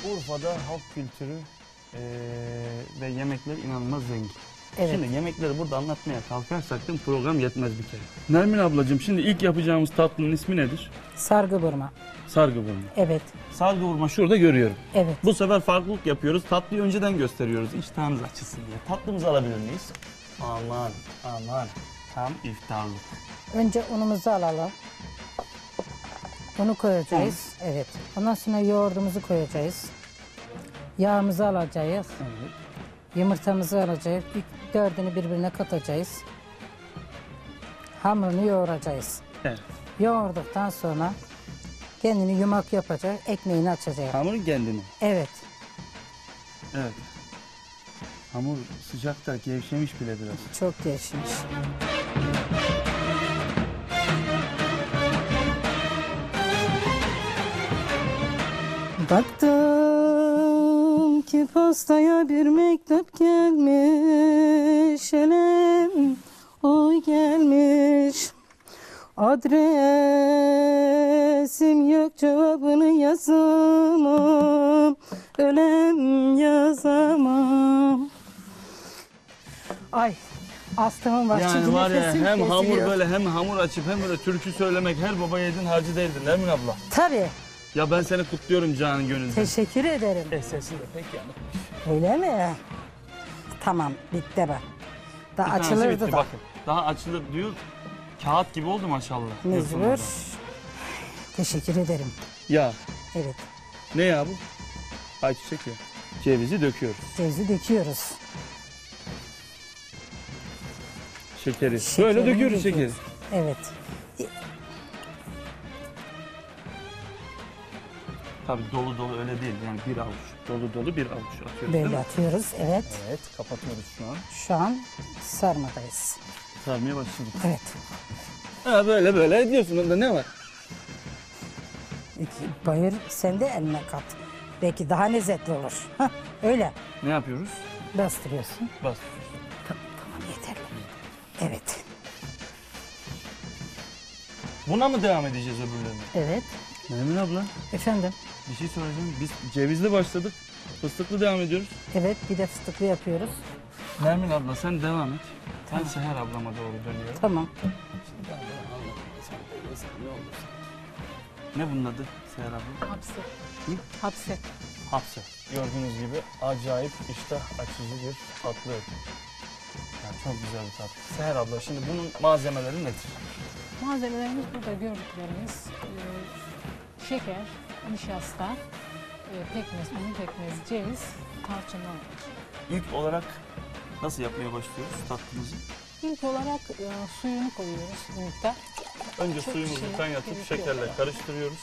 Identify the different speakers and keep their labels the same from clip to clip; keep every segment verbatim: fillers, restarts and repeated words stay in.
Speaker 1: Urfa'da halk kültürü ee, ve yemekler inanılmaz zengin.
Speaker 2: Evet.
Speaker 1: Şimdi yemekleri burada anlatmaya kalkarsak da program yetmez bir kere. Nermin ablacığım, şimdi ilk yapacağımız tatlının ismi nedir?
Speaker 2: Sargı burma.
Speaker 1: Sargı burma.
Speaker 2: Evet.
Speaker 1: Sargı burma şurada görüyorum.
Speaker 2: Evet.
Speaker 1: Bu sefer farklılık yapıyoruz. Tatlıyı önceden gösteriyoruz. İştahınız açılsın diye. Tatlımızı alabilir miyiz? Aman aman. Tam iftarlık.
Speaker 2: Önce unumuzu alalım. Unu koyacağız. Un. Evet. Ondan sonra yoğurdumuzu koyacağız. Yağımızı alacağız.
Speaker 1: Evet.
Speaker 2: Yumurtamızı alacağız. İlk dördünü birbirine katacağız. Hamurunu yoğuracağız.
Speaker 1: Evet.
Speaker 2: Yoğurduktan sonra kendini yumak yapacak, ekmeğini açacak.
Speaker 1: Hamurun kendini.
Speaker 2: Evet.
Speaker 1: Evet. Hamur sıcakta gevşemiş bile biraz.
Speaker 2: Çok gevşemiş. Baktım ki postaya bir mektup gelmiş, elem oy gelmiş. Adresim yok, cevabını yazamam, ölem yazamam. Ay, astımım var.
Speaker 1: Yani
Speaker 2: çünkü
Speaker 1: var ya,
Speaker 2: nefesim
Speaker 1: hem hamur
Speaker 2: kesiliyor.
Speaker 1: böyle hem hamur açıp hem böyle türkü söylemek her baba yiğidin harcı değildir Nermin abla.
Speaker 2: Tabii.
Speaker 1: Ya ben seni kutluyorum canın gönülden.
Speaker 2: Teşekkür ederim.
Speaker 1: E sesin de pek yanıkmış.
Speaker 2: Öyle mi? Tamam, bitti bak. Daha
Speaker 1: Bir tanesi
Speaker 2: açılırdı
Speaker 1: bitti,
Speaker 2: da.
Speaker 1: bakın. Daha açılır diyor. Kağıt gibi oldu maşallah.
Speaker 2: Mecbur. Teşekkür ederim.
Speaker 1: Ya
Speaker 2: Evet.
Speaker 1: ne ya bu? Ayçiçek ya. Cevizi döküyoruz.
Speaker 2: Cevizi döküyoruz.
Speaker 1: Şekeri.
Speaker 2: Şekerini
Speaker 1: Böyle döküyoruz şekeri.
Speaker 2: Evet.
Speaker 1: Tabii dolu dolu öyle değil. Yani bir avuç. Dolu dolu bir avuç atıyoruz
Speaker 2: Böyle
Speaker 1: değil mi?
Speaker 2: atıyoruz. Evet.
Speaker 1: Evet, kapatıyoruz şu an.
Speaker 2: Şu an sarmadayız.
Speaker 1: Sarmaya başladık.
Speaker 2: Evet.
Speaker 1: Ha böyle böyle ediyorsun. Onda ne var?
Speaker 2: Bayır, sen de eline kat. Belki daha lezzetli olur. Hah, öyle.
Speaker 1: Ne yapıyoruz?
Speaker 2: Bastırıyorsun.
Speaker 1: Bas.
Speaker 2: Tamam, tamam yeterli. Evet.
Speaker 1: Buna mı devam edeceğiz öbürlerine?
Speaker 2: Evet.
Speaker 1: Nermin abla,
Speaker 2: Efendim.
Speaker 1: bir şey söyleyeceğim. Biz cevizli başladık. Fıstıklı devam ediyoruz.
Speaker 2: Evet, bir de fıstıklı yapıyoruz.
Speaker 1: Nermin abla sen devam et.
Speaker 2: Tamam.
Speaker 1: Ben Seher ablama doğru dönüyorum.
Speaker 2: Tamam.
Speaker 1: Şimdi ben bunu anlatayım. Sen de yesen ne olursa. Ne bunun adı Seher abla?
Speaker 2: Hapse.
Speaker 1: Hı?
Speaker 2: Hapse.
Speaker 1: Hapse. Gördüğünüz gibi acayip iştah açıcı bir tatlı. Yani çok güzel bir tatlı. Seher abla, şimdi bunun malzemeleri nedir?
Speaker 3: Malzemelerimiz burada gördüklerimiz e, şeker, nişasta, e, pekmez, un pekmez, ceviz, tarçınlar var.
Speaker 1: İlk olarak nasıl yapmaya başlıyoruz tatlımızı?
Speaker 3: İlk olarak e, suyunu koyuyoruz bir miktar.
Speaker 1: Önce
Speaker 3: Çok
Speaker 1: suyumuzu
Speaker 3: şey
Speaker 1: kaynatıp
Speaker 3: gerekiyor.
Speaker 1: şekerle karıştırıyoruz.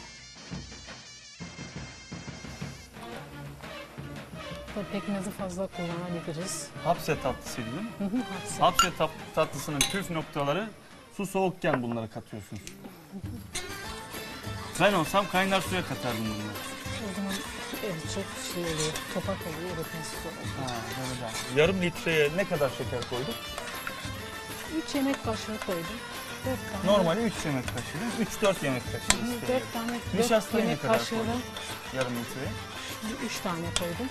Speaker 3: Tabii pekmezi fazla kullanabiliriz.
Speaker 1: Hapse tatlısıydı değil mi?
Speaker 3: Hı hı, hapse.
Speaker 1: Hapse tat tatlısının püf noktaları, su soğukken bunları katıyorsunuz. Ben olsam kaynar suya katardım bunları.
Speaker 3: O zaman evet, çok şey oluyor, topak oluyor, eritmesi zor oluyor.
Speaker 1: Ha, böyle de. Yarım litreye ne kadar şeker koyduk?
Speaker 3: üç yemek kaşığı koydum. dört tane.
Speaker 1: Normali üç yemek kaşığı değil mi? üç dört yemek kaşığı istedim.
Speaker 3: dört tane, dört
Speaker 1: Nişastayı ne
Speaker 3: yemek
Speaker 1: kadar
Speaker 3: kaşığı
Speaker 1: koydun? Yarım litreye.
Speaker 3: üç tane koydum.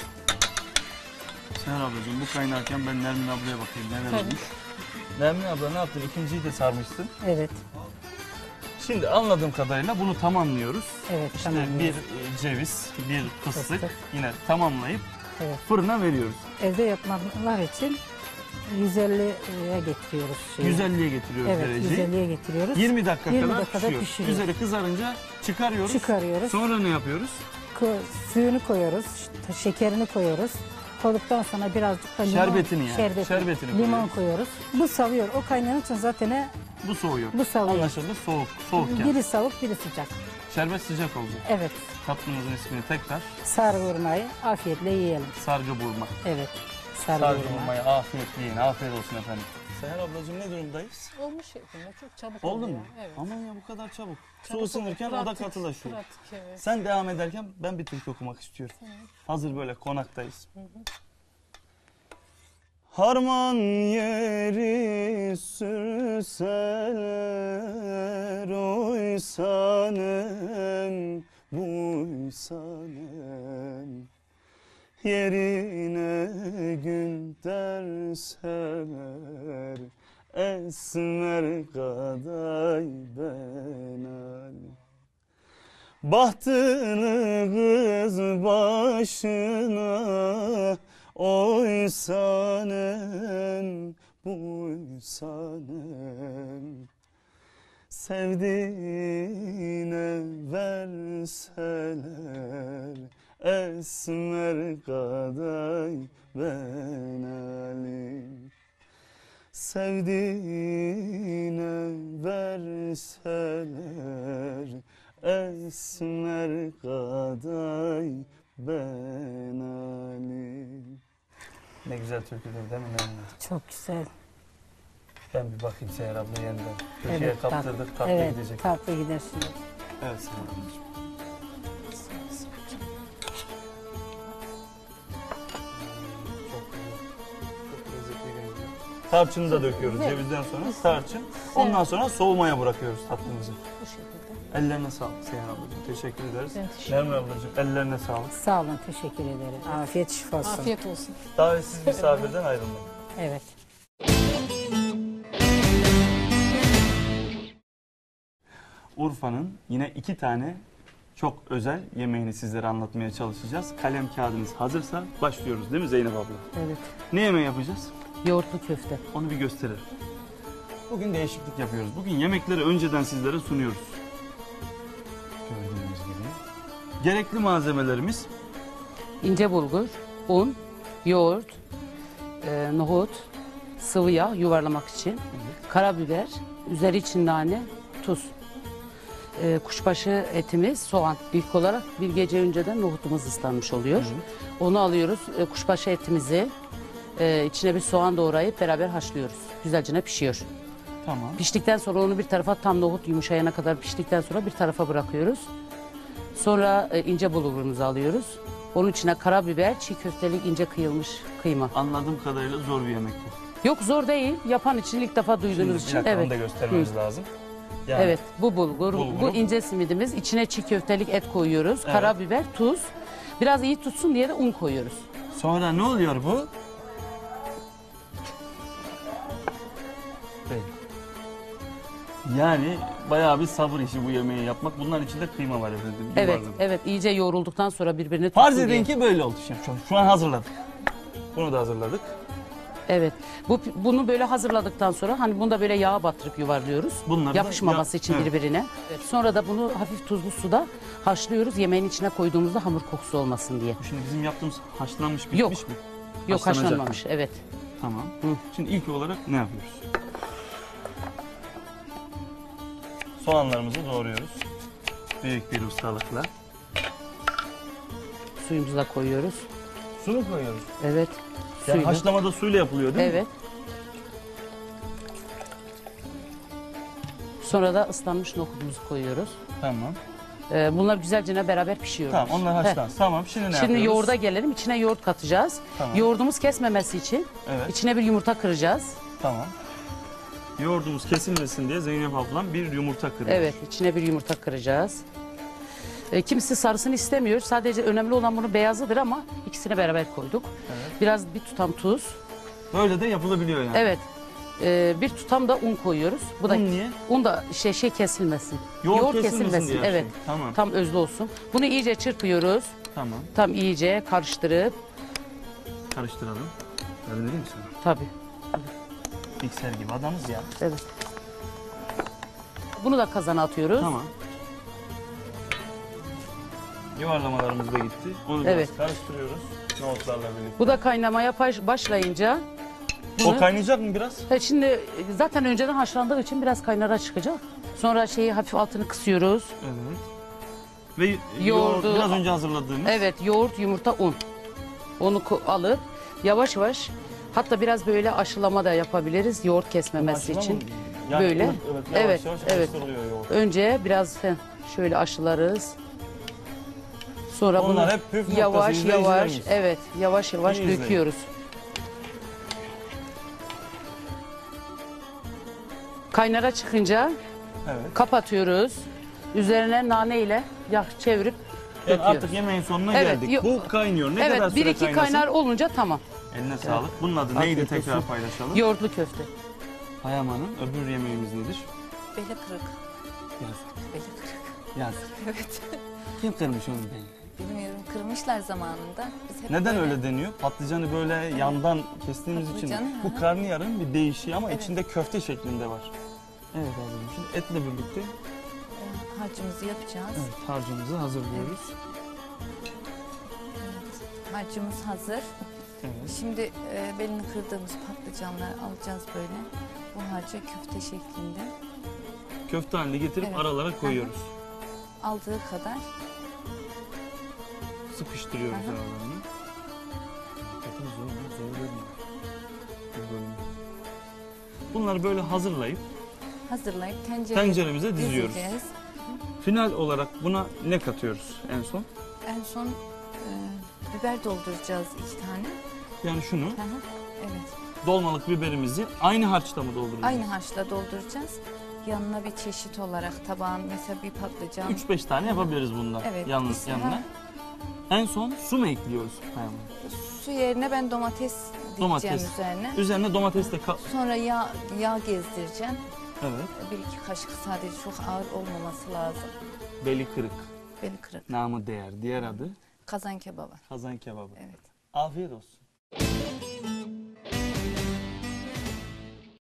Speaker 1: Seher ablacığım, bu kaynarken ben Nermin ablaya bakayım neler
Speaker 3: Tabii.
Speaker 1: olmuş. Nermin abla ne yaptın? İkinciyi de sarmışsın.
Speaker 2: Evet.
Speaker 1: Şimdi anladığım kadarıyla bunu tamamlıyoruz.
Speaker 2: Evet,
Speaker 1: İşte
Speaker 2: tamamlıyoruz.
Speaker 1: bir e, ceviz, bir fıstık,
Speaker 2: Fıstık.
Speaker 1: yine tamamlayıp
Speaker 2: Evet.
Speaker 1: fırına veriyoruz.
Speaker 2: Evde yapmalar için yüz elliye getiriyoruz. Şeyi.
Speaker 1: yüz elliye getiriyoruz
Speaker 2: Evet,
Speaker 1: dereceyi.
Speaker 2: yüz elliye getiriyoruz.
Speaker 1: yirmi dakika
Speaker 2: yirmi
Speaker 1: kadar
Speaker 2: dakikada
Speaker 1: pişiyor.
Speaker 2: pişiriyor.
Speaker 1: Üzeri kızarınca çıkarıyoruz.
Speaker 2: Çıkarıyoruz.
Speaker 1: Sonra ne yapıyoruz?
Speaker 2: Ko- suyunu koyuyoruz, ş- şekerini koyuyoruz. Koyduktan sonra birazcık da limon,
Speaker 1: Şerbetini yani,
Speaker 2: şerbeti,
Speaker 1: şerbetini
Speaker 2: limon
Speaker 1: koyuyoruz.
Speaker 2: koyuyoruz. Bu savuyor. O kaynayan için zaten
Speaker 1: Bu soğuyor.
Speaker 2: bu savuyor.
Speaker 1: Anlaşıldı, soğuk, soğukken.
Speaker 2: Biri soğuk, biri sıcak.
Speaker 1: Şerbet sıcak olacak.
Speaker 2: Evet.
Speaker 1: Tatlımızın ismini tekrar
Speaker 2: Sarı vurmayı afiyetle yiyelim.
Speaker 1: sargı burma.
Speaker 2: Evet. Sarı,
Speaker 1: Sargı
Speaker 2: vurma.
Speaker 1: burmayı afiyetle yiyin. Afiyet olsun efendim. Seher ablacığım, ne durumdayız?
Speaker 3: Olmuş şeklinde, çok çabuk
Speaker 1: Oldu
Speaker 3: oluyor.
Speaker 1: mu?
Speaker 3: Evet.
Speaker 1: Aman ya, bu kadar çabuk. Su
Speaker 3: Çabuk
Speaker 1: ısınırken
Speaker 3: oluyor.
Speaker 1: o da
Speaker 3: Pratik,
Speaker 1: katılaşıyor.
Speaker 3: pratik, evet.
Speaker 1: Sen devam ederken ben bir türkü okumak istiyorum. Hazır böyle konaktayız. Harman yeri sürseler, oysanem buysanem. koysanem, yerine gün derseler, esmer kaday benali. Bahtını kız başına oysanem, buysanem, sevdiğine verseler, esmer kaday benali. Sevdiğine verseler, esmer kaday benali. Ne güzel türküdür değil mi Nermin?
Speaker 2: Çok güzel.
Speaker 1: Ben bir bakayım Seher abla yeniden. Türkiye'ye
Speaker 2: Evet,
Speaker 1: kaptırdık, tatlı
Speaker 2: evet,
Speaker 1: gidecek.
Speaker 2: tatlı gider şimdi.
Speaker 1: Evet Seher ablacığım. Çok güzel. Çok lezzetli geliyor. Tarçını da döküyoruz
Speaker 2: Evet.
Speaker 1: cevizden sonra. Tarçın. Ondan sonra soğumaya bırakıyoruz tatlımızı.
Speaker 3: Bu şekilde.
Speaker 1: Ellerine sağlık Seher ablacığım. Teşekkür ederiz.
Speaker 3: Ben teşekkür
Speaker 1: Nermin ablacığım ellerine sağlık.
Speaker 2: Sağ olun, teşekkür ederim. Afiyet şifa olsun.
Speaker 3: Afiyet olsun.
Speaker 1: Davetsiz misafirden ayrılmayın.
Speaker 2: Evet.
Speaker 1: Urfa'nın yine iki tane çok özel yemeğini sizlere anlatmaya çalışacağız. Kalem kağıdınız hazırsa başlıyoruz değil mi Zeynep abla?
Speaker 2: Evet.
Speaker 1: Ne yemeği yapacağız?
Speaker 2: Yoğurtlu köfte.
Speaker 1: Onu bir gösterelim. Bugün değişiklik yapıyoruz. Bugün yemekleri önceden sizlere sunuyoruz. Gördüğünüz gibi. Gerekli malzemelerimiz
Speaker 4: İnce bulgur, un, yoğurt, e, nohut, sıvı yağ yuvarlamak için, karabiber, üzeri için nane, tuz. E, kuşbaşı etimiz, soğan. İlk olarak bir gece önceden nohutumuz ıslanmış oluyor. Onu alıyoruz, e, kuşbaşı etimizi e, içine bir soğan doğrayıp beraber haşlıyoruz. Güzelce pişiyor.
Speaker 1: tamam.
Speaker 4: Piştikten sonra onu bir tarafa, tam nohut yumuşayana kadar piştikten sonra bir tarafa bırakıyoruz. Sonra e, ince bulgurumuzu alıyoruz. Onun içine karabiber, çiğ köftelik ince kıyılmış kıyma.
Speaker 1: Anladığım kadarıyla zor bir yemek bu.
Speaker 4: Yok, zor değil. Yapan için ilk defa
Speaker 1: Şimdi
Speaker 4: duyduğunuz
Speaker 1: bir
Speaker 4: için.
Speaker 1: dakika
Speaker 4: Evet.
Speaker 1: onu da göstermemiz lazım. Yani
Speaker 4: Evet, bu bulgur,
Speaker 1: Bulguru.
Speaker 4: bu ince simidimiz. İçine çiğ köftelik et koyuyoruz.
Speaker 1: Evet.
Speaker 4: Karabiber, tuz. Biraz iyi tutsun diye de un koyuyoruz.
Speaker 1: Sonra ne oluyor bu? Değil. Yani bayağı bir sabır işi bu yemeği yapmak. Bunların içinde kıyma var efendim.
Speaker 4: Evet,
Speaker 1: yuvarlak.
Speaker 4: evet. iyice yoğrulduktan sonra birbirini tutsun
Speaker 1: Farz
Speaker 4: diye.
Speaker 1: edin ki böyle oldu. Şimdi şu- şu an hazırladık. Bunu da hazırladık.
Speaker 4: Evet. Bu bunu böyle hazırladıktan sonra hani bunu da böyle yağa batırıp yuvarlıyoruz.
Speaker 1: Bunları da
Speaker 4: Yapışmaması
Speaker 1: ya-
Speaker 4: için
Speaker 1: evet.
Speaker 4: birbirine. Evet. Sonra da bunu hafif tuzlu suda haşlıyoruz. Yemeğin içine koyduğumuzda hamur kokusu olmasın diye.
Speaker 1: Bu şimdi bizim yaptığımız haşlanmış bitmiş
Speaker 4: Yok.
Speaker 1: mi?
Speaker 4: Yok,
Speaker 1: Haşlanacak
Speaker 4: haşlanmamış. Evet.
Speaker 1: Tamam.
Speaker 4: Hı.
Speaker 1: Şimdi ilk olarak ne yapıyoruz? Soğanlarımızı doğruyoruz. Büyük bir ustalıkla.
Speaker 4: Suyumuzu da koyuyoruz.
Speaker 1: Su mu koyuyoruz?
Speaker 4: Evet.
Speaker 1: Yani
Speaker 4: Suyla.
Speaker 1: haşlamada suyla yapılıyor değil mi?
Speaker 4: Evet. Sonra da ıslanmış nohutumuzu koyuyoruz.
Speaker 1: Tamam.
Speaker 4: Ee, bunlar güzelce beraber pişiyoruz.
Speaker 1: Tamam onlar haşlansın. Tamam şimdi ne
Speaker 4: Şimdi
Speaker 1: yapıyoruz?
Speaker 4: yoğurda gelelim. İçine yoğurt katacağız.
Speaker 1: Tamam.
Speaker 4: Yoğurdumuz kesmemesi için
Speaker 1: Evet.
Speaker 4: içine bir yumurta kıracağız.
Speaker 1: Tamam. Yoğurdumuz kesilmesin diye Zeynep ablam bir yumurta kırıyor.
Speaker 4: Evet, içine bir yumurta kıracağız. E, kimisi sarısını istemiyor. Sadece önemli olan bunun beyazıdır ama ikisini beraber koyduk.
Speaker 1: Evet.
Speaker 4: Biraz bir tutam tuz.
Speaker 1: Böyle de yapılabiliyor yani.
Speaker 4: Evet. E, bir tutam da un koyuyoruz. Bu da
Speaker 1: Un niye?
Speaker 4: un da şey şey kesilmesin.
Speaker 1: Yoğurt kesilmesin diye
Speaker 4: Evet.
Speaker 1: yapsın. Tamam.
Speaker 4: Tam özlü olsun. Bunu iyice çırpıyoruz.
Speaker 1: Tamam.
Speaker 4: Tam iyice karıştırıp
Speaker 1: Karıştıralım. Yardım edeyim mi sana?
Speaker 4: tabii.
Speaker 1: Mikser gibi adamız ya.
Speaker 4: Evet. Bunu da kazana atıyoruz.
Speaker 1: Tamam. Yuvarlamalarımız da gitti. Onu
Speaker 4: Evet.
Speaker 1: biraz karıştırıyoruz. Nohutlarla birlikte.
Speaker 4: Bu da kaynamaya baş- başlayınca
Speaker 1: O
Speaker 4: bunu-
Speaker 1: kaynayacak mı biraz?
Speaker 4: Ha, şimdi e, zaten önceden haşlandığı için biraz kaynara çıkacak. Sonra şeyi hafif altını kısıyoruz.
Speaker 1: Evet. Ve yoğurdu
Speaker 4: Yoğurdu-
Speaker 1: biraz önce hazırladığımız.
Speaker 4: Evet, yoğurt, yumurta, un. Onu ko- alıp yavaş yavaş, hatta biraz böyle aşılama da yapabiliriz yoğurt kesmemesi
Speaker 1: Aşılama
Speaker 4: için.
Speaker 1: mı? Yani
Speaker 4: Böyle.
Speaker 1: Evet, yavaş
Speaker 4: Evet,
Speaker 1: yavaş
Speaker 4: evet.
Speaker 1: karıştırılıyor yoğurt.
Speaker 4: Önce biraz heh, şöyle aşılarız. Sonra
Speaker 1: Onlar
Speaker 4: bunu
Speaker 1: hep püf noktası,
Speaker 4: yavaş yavaş,
Speaker 1: izleyicilerimiz.
Speaker 4: evet, yavaş yavaş
Speaker 1: İyi izleyin.
Speaker 4: döküyoruz. Kaynara çıkınca
Speaker 1: Evet.
Speaker 4: kapatıyoruz. Üzerine nane ile yağ çevirip
Speaker 1: Yani
Speaker 4: döküyoruz.
Speaker 1: artık yemeğin sonuna
Speaker 4: Evet,
Speaker 1: geldik.
Speaker 4: yok.
Speaker 1: Bu kaynıyor. Ne kadar
Speaker 4: Evet,
Speaker 1: süre
Speaker 4: bir iki
Speaker 1: kaynasın?
Speaker 4: kaynar olunca tamam.
Speaker 1: Eline sağlık. Bunun adı neydi
Speaker 4: Afiyet
Speaker 1: tekrar
Speaker 4: olsun.
Speaker 1: paylaşalım.
Speaker 4: Yoğurtlu köfte.
Speaker 1: Payam Hanım, öbür yemeğimiz nedir?
Speaker 3: Beli kırık.
Speaker 1: Yazık.
Speaker 3: Beli kırık.
Speaker 1: Yazık.
Speaker 3: Evet.
Speaker 1: Kim kırmış onu ben?
Speaker 3: Bilmiyorum, kırmışlar zamanında. Biz hep
Speaker 1: Neden
Speaker 3: böyle-
Speaker 1: öyle deniyor? Patlıcanı böyle yandan kestiğimiz için.
Speaker 3: Patlıcanı,
Speaker 1: Bu
Speaker 3: hı hı.
Speaker 1: karnıyarın bir değişiği ama
Speaker 3: Evet.
Speaker 1: içinde köfte şeklinde var. Evet abicim. Şimdi etle birlikte
Speaker 3: Ee, harcımızı yapacağız.
Speaker 1: evet, harcımızı hazırlıyoruz.
Speaker 3: Evet. Harcımız hazır.
Speaker 1: Evet.
Speaker 3: Şimdi e, belini kırdığımız patlıcanları alacağız böyle. Bu harcı köfte şeklinde.
Speaker 1: Köfte haline getirip
Speaker 3: Evet.
Speaker 1: aralara koyuyoruz.
Speaker 3: Aldığı kadar.
Speaker 1: Sıkıştırıyoruz
Speaker 3: Hı hı.
Speaker 1: aralarını. Zaten zor, zor görünüyor. Bu bölüm. Bunları böyle hazırlayıp
Speaker 3: Hazırlayıp tencereye
Speaker 1: tenceremize diziyoruz.
Speaker 3: dizeceğiz.
Speaker 1: Final olarak buna ne katıyoruz en son?
Speaker 3: En son e, biber dolduracağız iki tane.
Speaker 1: Yani şunu,
Speaker 3: Hı hı. Evet.
Speaker 1: dolmalık biberimizi aynı harçta mı dolduracağız?
Speaker 3: Aynı harçla dolduracağız. Yanına bir çeşit olarak tabağın mesela bir patlıcan.
Speaker 1: üç beş tane yapabiliriz bundan.
Speaker 3: Evet.
Speaker 1: Yalnız
Speaker 3: işte,
Speaker 1: yanına.
Speaker 3: ha,
Speaker 1: En son su mu ekliyoruz? Payam?
Speaker 3: su yerine ben domates diyeceğim
Speaker 1: Domates.
Speaker 3: üzerine.
Speaker 1: Üzerine domates de ka-
Speaker 3: Sonra yağ, yağ gezdireceğim.
Speaker 1: evet.
Speaker 3: Bir iki kaşık, sadece çok ağır olmaması lazım.
Speaker 1: Beli kırık.
Speaker 3: Beli kırık.
Speaker 1: Namı değer. Diğer adı
Speaker 3: Kazan kebabı.
Speaker 1: kazan kebabı.
Speaker 3: Evet.
Speaker 1: Afiyet olsun.